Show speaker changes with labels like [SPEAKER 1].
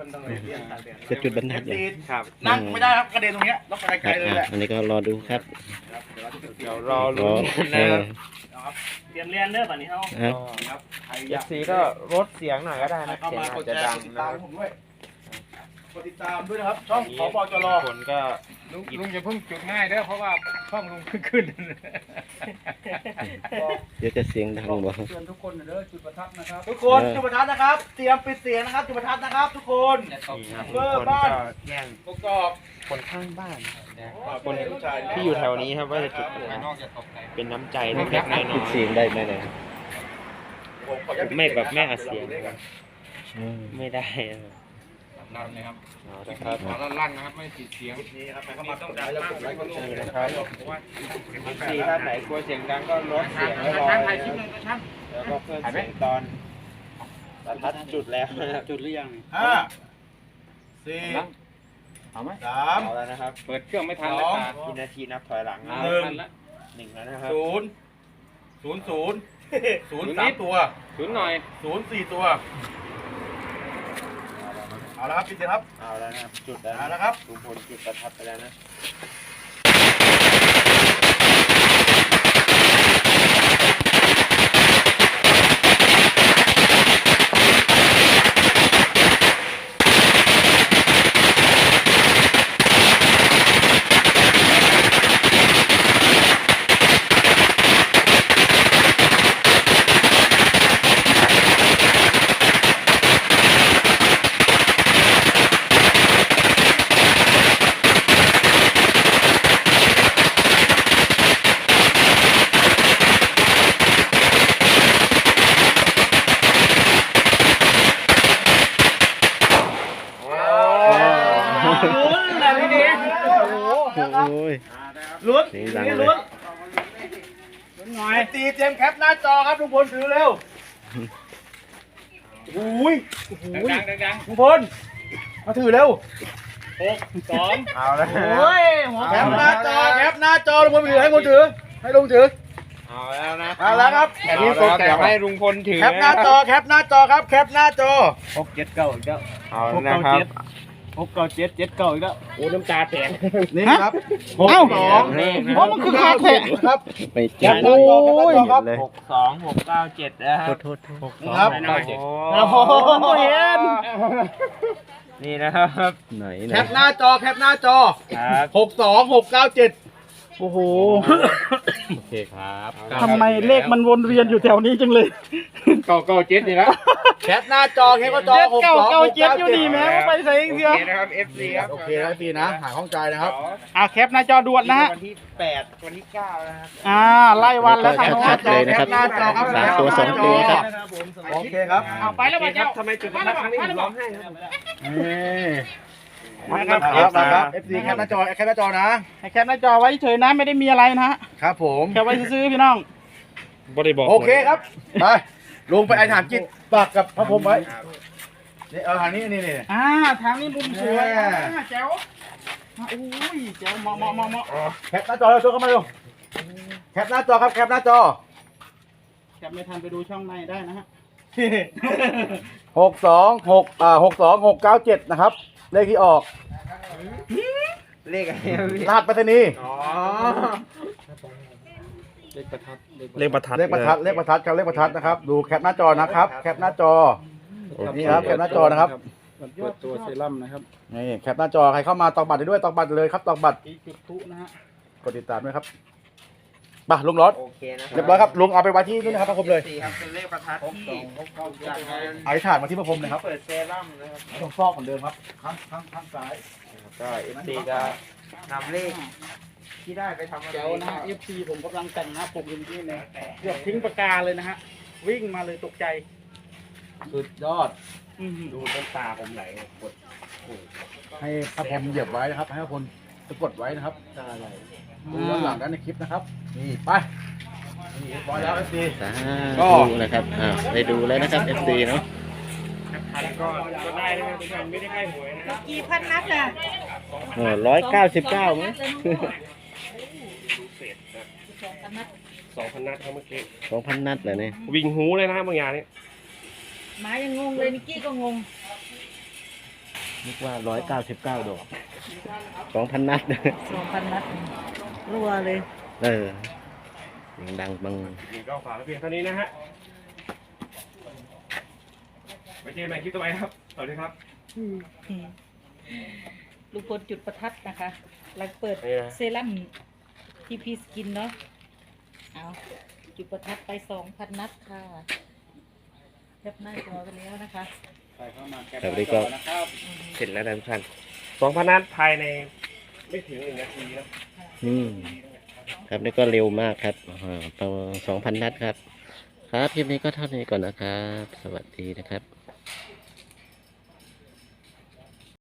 [SPEAKER 1] จะจุดบรรทัด
[SPEAKER 2] ครับนั่งไม่ได้ครับกระเด็นตรงเนี้ยต้องไปไกลเลยแหละ
[SPEAKER 1] อันนี้ก็รอดูครับ
[SPEAKER 2] เดี๋ยวรอลุ้นนะครับ
[SPEAKER 3] เตรียมเรียนเด้อบัดนี้เฮา
[SPEAKER 2] ครับใครอ
[SPEAKER 4] เอย
[SPEAKER 2] าก
[SPEAKER 4] ฟซีก็ลดเสียงหน่อยก็ได้นะ
[SPEAKER 2] เข้า
[SPEAKER 4] เสียง
[SPEAKER 2] มา
[SPEAKER 4] อาจ
[SPEAKER 2] กด
[SPEAKER 4] จะ
[SPEAKER 2] แช
[SPEAKER 4] ดั
[SPEAKER 2] ร์
[SPEAKER 4] ง
[SPEAKER 2] กดติด
[SPEAKER 4] นะ
[SPEAKER 2] ตามผมด้วยกดติดตามด้วยนะครับ ช่องขบจร
[SPEAKER 4] คนก็
[SPEAKER 5] ลุงจะเพิ่งจุดง่ายเด้อเพราะว่าช่องลุงขึ้น
[SPEAKER 1] เดี๋ยวจะเสียงดังบ่
[SPEAKER 5] เตือนทุกคนเด้อจุดประทัดนะครับ
[SPEAKER 2] ทุกคนจุดประทัดนะครับ เตรียมปิดเสียงนะครับจุดประทัดนะครับ ทุกคน
[SPEAKER 4] นี่ครับ
[SPEAKER 2] เบอร์
[SPEAKER 4] คน
[SPEAKER 2] บ้าน
[SPEAKER 4] ก็แย่ง
[SPEAKER 2] ประกอบ
[SPEAKER 4] คนข้างบ้านนะ
[SPEAKER 2] คน
[SPEAKER 4] ที่อยู่แถวนี้ครับว่าจะจุดนะเป็นน้ำใจเล็กๆน้อย
[SPEAKER 1] ปิดเสียงได้ไหมเนี่ย
[SPEAKER 4] ๆไม่แบบไม่อัดเสียงนะครับไม่ได้นะครับ
[SPEAKER 5] ลั่นเลยครับ
[SPEAKER 4] เอาละครับ
[SPEAKER 5] ลั่นนะครับไม่ติดเสียง
[SPEAKER 2] นี่ครับเข้ามาต้องการแล้วกดไลค์กดแชร์
[SPEAKER 4] นี่
[SPEAKER 2] นะ
[SPEAKER 4] นะ
[SPEAKER 2] ค
[SPEAKER 4] ค
[SPEAKER 2] รั
[SPEAKER 4] รั
[SPEAKER 2] บบ
[SPEAKER 4] ซีท่านไหนกลัวเสียงดังก็ลดเสียงไว้รอแล้วก็เพิ่มเสียงตอนประทัดจุดแล้วนะครับ
[SPEAKER 5] จุดหรือยัง
[SPEAKER 2] ห้าสี่
[SPEAKER 5] เอาไหม
[SPEAKER 2] สาม
[SPEAKER 4] เอาแล้วนะครับ
[SPEAKER 5] เปิดเครื่องไม่ทันแล้วตา
[SPEAKER 4] กี่นาทีนับถอยหลังนะ
[SPEAKER 2] หนึ่ง
[SPEAKER 4] หนึ่งแล้วนะครับ
[SPEAKER 2] ศูนย์สามตัว
[SPEAKER 5] ศูนย์หน่อย
[SPEAKER 2] ศูนย์สี่ตัว เอาละครับปิดเสียงครับ
[SPEAKER 4] เอาแล้วนะครับจุดแล้ว
[SPEAKER 2] เอาละครับ
[SPEAKER 4] ลุงพลจุดประทัดไปแล้วนะ
[SPEAKER 2] ลุ้นนะพี่ดิ
[SPEAKER 1] โอ้ย
[SPEAKER 2] ลุ้น
[SPEAKER 1] เสียงดัง
[SPEAKER 2] นี่
[SPEAKER 1] เลย
[SPEAKER 2] ลุ้นหน่อยตีเจมส์แคปหน้าจอครับลุงพลถือเร็วโอ้ย
[SPEAKER 5] ดัง
[SPEAKER 2] ลุงพลมาถือเร็ว
[SPEAKER 5] 2
[SPEAKER 4] เอาแล้ว
[SPEAKER 2] โอ้ยแคปหน้าจอแคปหน้าจอลุงพลถือให้คนถือให้ลุงถือ
[SPEAKER 4] เอาแล้วนะ
[SPEAKER 2] เอาแล้วครับ
[SPEAKER 4] แค่นี้ตกแต่ให้ลุงพลถือ
[SPEAKER 2] แคปหน้าจอแคปหน้าจอครับแคปหน้าจอ
[SPEAKER 5] 6 7 9อีกแล้ว
[SPEAKER 4] เอาแล้วนะครับ
[SPEAKER 5] 6 9 7 7 9อีกแล้วโอ้น้ำตาแตก
[SPEAKER 2] นี่ครับ
[SPEAKER 1] เอ้า
[SPEAKER 2] เพราะมันคือคาแท็กครับ
[SPEAKER 1] ไป
[SPEAKER 2] แค
[SPEAKER 1] จั
[SPEAKER 2] ป
[SPEAKER 1] บ
[SPEAKER 2] หน้าจอแคปหน้าจอครับ
[SPEAKER 1] เลย
[SPEAKER 4] 62697นะครับ
[SPEAKER 1] โทษ
[SPEAKER 2] นี่ครับ
[SPEAKER 4] โอ้โห
[SPEAKER 2] เห็น
[SPEAKER 4] นี่นะครับ
[SPEAKER 1] ไหน
[SPEAKER 2] แคปหน้าจอแคปหน้าจอ
[SPEAKER 4] ครับ
[SPEAKER 2] 62697
[SPEAKER 5] โอ้โห
[SPEAKER 1] โอเคครับ
[SPEAKER 5] ทำไมเลขมันวนเวียนอยู่แถวนี้จังเลย997นี่ละ
[SPEAKER 2] แคปหน้าจอแคปหน้าจอ
[SPEAKER 5] 997อยู่นี่แม่ไปใส่เสีย
[SPEAKER 4] โอเคนะครับ FC ครับ
[SPEAKER 2] โอเคครับพี่นะหาข้องใจนะครับ
[SPEAKER 5] แคปหน้าจอด่วนนะฮะ
[SPEAKER 4] วันที่8วันที่9นะครับ
[SPEAKER 5] ไล่วันแล้วทาง
[SPEAKER 1] ชั
[SPEAKER 5] โน้
[SPEAKER 1] ดๆเลยนะครับ
[SPEAKER 2] หน้าจอครับ
[SPEAKER 1] สามตัวสองตัวครับ
[SPEAKER 2] โอเคครับ
[SPEAKER 5] เอาไปแล้วมาเจ้า
[SPEAKER 4] ทำไมจุดประทัดครั้งนี้ถึงร้องไห้ครับ
[SPEAKER 2] ครับ FC แคปหน้าจอแคปหน้าจอนะ
[SPEAKER 5] ให้แคปหน้าจอไว้เฉยนะไม่ได้มีอะไรนะฮะ
[SPEAKER 2] ครับผม
[SPEAKER 5] แคปไว้ซื้อๆพี่น้อง
[SPEAKER 2] โอเคครับไปลงไปไอ้ฐานจิตปากกับพระพรหมไว้นี่เอาทางนี้นี่
[SPEAKER 5] ทางนี้มุมสวย
[SPEAKER 2] แม่
[SPEAKER 5] แจ๋วอุ้ยแจ๋วเหมาะ
[SPEAKER 2] แคปหน้าจอเราโชว์เข้ามาเร็วแคปหน้าจอครับแคปหน้าจอ
[SPEAKER 5] แคปไม่ทันไปดูช่องในได้นะฮะ
[SPEAKER 2] 62697นะครับเลขที่ออก
[SPEAKER 4] เลขอะไรครับพี่
[SPEAKER 2] รหัสไปรษณีย์
[SPEAKER 4] อ๋อ
[SPEAKER 1] เลขประทัด
[SPEAKER 2] เลขประทัดครับเลขประทัดนะครับดูแคปหน้าจอนะครับแคปหน้าจอนี่ครับแคปหน้าจอนะครับ
[SPEAKER 5] เปิดตัวเซรั่มนะครับ
[SPEAKER 2] นี่แคปหน้าจอใครเข้ามาตอกบัตรได้ด้วยตอกบัตรเลยครับตอกบัตร
[SPEAKER 5] อีกจุดทุนะฮะ
[SPEAKER 2] กดติดตามด้วยครับไปลุงรถ
[SPEAKER 4] โอเคนะ
[SPEAKER 2] เรียบร้อยครับลุงเอาไปไว้ที่นู่นนะครับพระพรหมเลย
[SPEAKER 4] 4ครับเป็นเลขประทัดที่จากงาน
[SPEAKER 2] เอาถ่านมาที่พระพรหมเลยครับ
[SPEAKER 4] เปิดเซรั่มนะครับ
[SPEAKER 2] ต้องฟอกเหมือนเดิมครับข้างซ้าย
[SPEAKER 4] ก็ FC จะนำเลขที่ได้ไปทำอะไร
[SPEAKER 5] แจ๋วนะฮะ FC ผมกำลังแต่งหน้าผมอยู่ที่นี่เกือบทิ้งปากกาเลยนะฮะวิ่งมาเลยตกใจ
[SPEAKER 2] สุดยอด
[SPEAKER 5] ดูต้นตาผมไหลกด
[SPEAKER 2] ให้พระพรหมเหยียบไว้นะครับให้พระพรหมสะกดไว้นะครับดูย้อนหลังได้ในคลิปนะครับนี่ไปนี่เรียบร้อยแล้วFC
[SPEAKER 1] สาธุนะครับได้ดูแล้วนะครับ FC เนาะ
[SPEAKER 5] ก็ได้นะครับทุกท่านไม่ได้ให้หวยนะ
[SPEAKER 6] กี่พันนัดน่ะ
[SPEAKER 1] 199มั้ง
[SPEAKER 3] 2,000 นัดครับเมื่อกี้
[SPEAKER 1] 2,000 นัดเหรอเนี่ย
[SPEAKER 3] วิ่งหูเลยนะบางอย่างนี้
[SPEAKER 6] หมายังงงเลยนิกกี้ก็งง
[SPEAKER 1] นึกว่า199 ดอก 2,000 นัด
[SPEAKER 3] 2,000 นัดรัวเลย
[SPEAKER 1] เออเสียงดังบัง
[SPEAKER 4] นี่ก็ฝากไว้เพียงเท่านี้นะฮะไว้เจอกันใหม่คลิปต่อไปครับสวัสดีครับ
[SPEAKER 3] ลุงพลจุดประทัดนะคะหลังเปิด
[SPEAKER 4] นี่นะ
[SPEAKER 3] เซรั่มทีพีสกินเนาะเอาจุดประทัดไป 2,000 นัดค่ะแคปหน้าจอกันแล้วนะคะ
[SPEAKER 5] ใส่เข้ามาแคป
[SPEAKER 1] ครับ
[SPEAKER 5] ห
[SPEAKER 1] นี่
[SPEAKER 5] น้าจ
[SPEAKER 1] ก็
[SPEAKER 5] อนะครับ
[SPEAKER 1] เสร็จแล้วนะทุกท่าน
[SPEAKER 4] 2,000 นัดภายในไม่ถึง1 นาทีนะ
[SPEAKER 1] ครับนี่ก็เร็วมากครับประมาณ2,000 นัดครับ ครับคลิปนี้ก็เท่านี้ก่อนนะครับ สวัสดีนะครับ